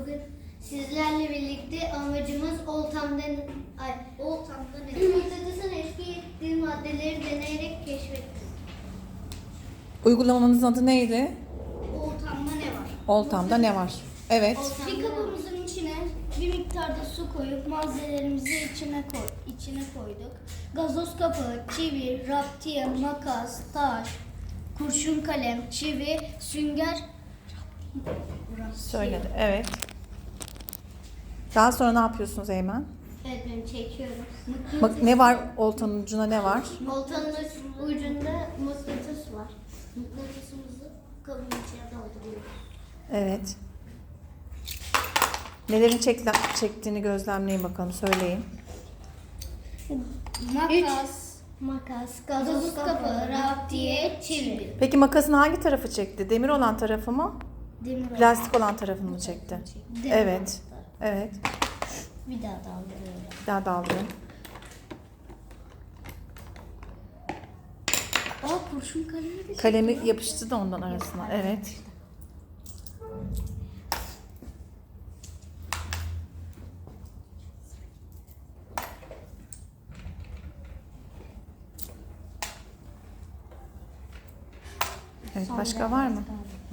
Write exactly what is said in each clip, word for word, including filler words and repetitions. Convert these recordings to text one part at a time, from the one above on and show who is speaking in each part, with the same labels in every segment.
Speaker 1: Bugün sizlerle birlikte amacımız Oltam'dan ay Oltam'dan mıknatısın etki ettiği maddeleri deneyerek keşfettik.
Speaker 2: Uygulamanızın adı neydi?
Speaker 1: Oltam'da ne var?
Speaker 2: Oltam'da ne var? Evet.
Speaker 1: Bir kabımızın içine bir miktarda su koyup malzemelerimizi içine koy, içine koyduk. Gazoz kapağı, çivi, raptiye, makas, taş, kurşun kalem, çivi, sünger.
Speaker 2: Söyledi. Evet. Daha sonra ne yapıyorsunuz Eymen?
Speaker 1: Evet, ben çekiyorum.
Speaker 2: Bak ne var oltanın ucuna ne var?
Speaker 1: Oltanın ucunda mıknatıs var. Mıknatısımızı kabın içine dolduruyoruz.
Speaker 2: Evet. Nelerin çekle, çektiğini gözlemleyin bakalım. Söyleyin.
Speaker 1: Makas, makas, gazoz kapağı, raptiye, çivi.
Speaker 2: Peki makasın hangi tarafı çekti? Demir olan tarafı mı?
Speaker 1: Demir
Speaker 2: Plastik olan tarafını mı çekti?
Speaker 1: Demir
Speaker 2: Evet. Evet.
Speaker 1: Bir daha daldırıyorum.
Speaker 2: Bir daha daldırın.
Speaker 1: Aa, kurşun kalemi de
Speaker 2: Kalemi yapıştı da ondan arasına. Evet. Evet, başka var mı? Hı.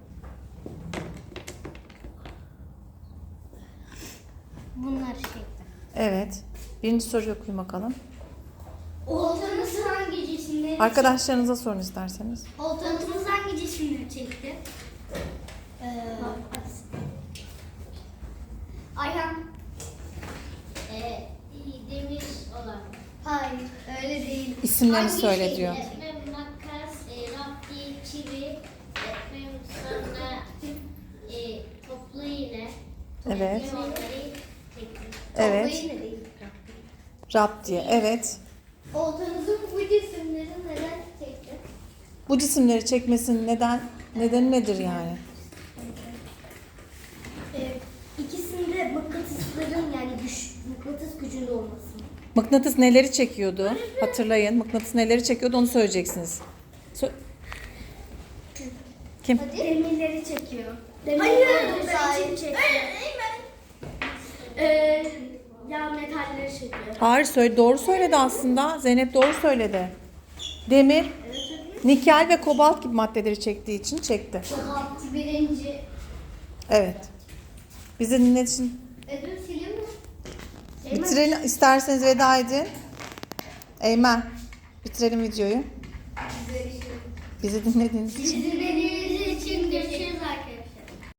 Speaker 1: Bunlar çektim.
Speaker 2: Evet. Birinci soruyu okuyun bakalım.
Speaker 1: Oltanız hangi cisimleri
Speaker 2: Arkadaşlarınıza sorun isterseniz.
Speaker 1: Oltanız hangi cisimleri çekti? Ee, Ayhan. Ee, demir olan. Hayır, öyle değil.
Speaker 2: İsimlerini söyle diyor.
Speaker 3: Etmem, makas, e, rapti, çivi, etmem, sonra e, toplu iğne.
Speaker 2: Evet.
Speaker 3: Ve onları çektim.
Speaker 2: Evet.
Speaker 1: Toplayın da değil.
Speaker 2: Rap diye. Evet.
Speaker 1: Oltanızın bu cisimleri neden çekti?
Speaker 2: Bu cisimleri çekmesinin neden nedeni nedir yani?
Speaker 1: Ee, ikisinde mıknatısların yani güç, mıknatıs gücünde olması.
Speaker 2: Mıknatıs neleri çekiyordu? Hatırlayın. Mıknatıs neleri çekiyordu onu söyleyeceksiniz. Sö- Kim?
Speaker 1: Demirleri çekiyor. Demirleri sahip çekiyor. Ee, ya metalleri çekiyor.
Speaker 2: Hayır, söyle, doğru söyledi aslında. Zeynep doğru söyledi. Demir, nikel ve kobalt gibi maddeleri çektiği için çekti.
Speaker 1: Kobalt birinci.
Speaker 2: Evet. Bizi dinlediğiniz için
Speaker 1: Ödül sileyim mi?
Speaker 2: bitirelim. İsterseniz veda edin. Eymen, bitirelim videoyu. Bizi dinlediğiniz için.
Speaker 1: Bizi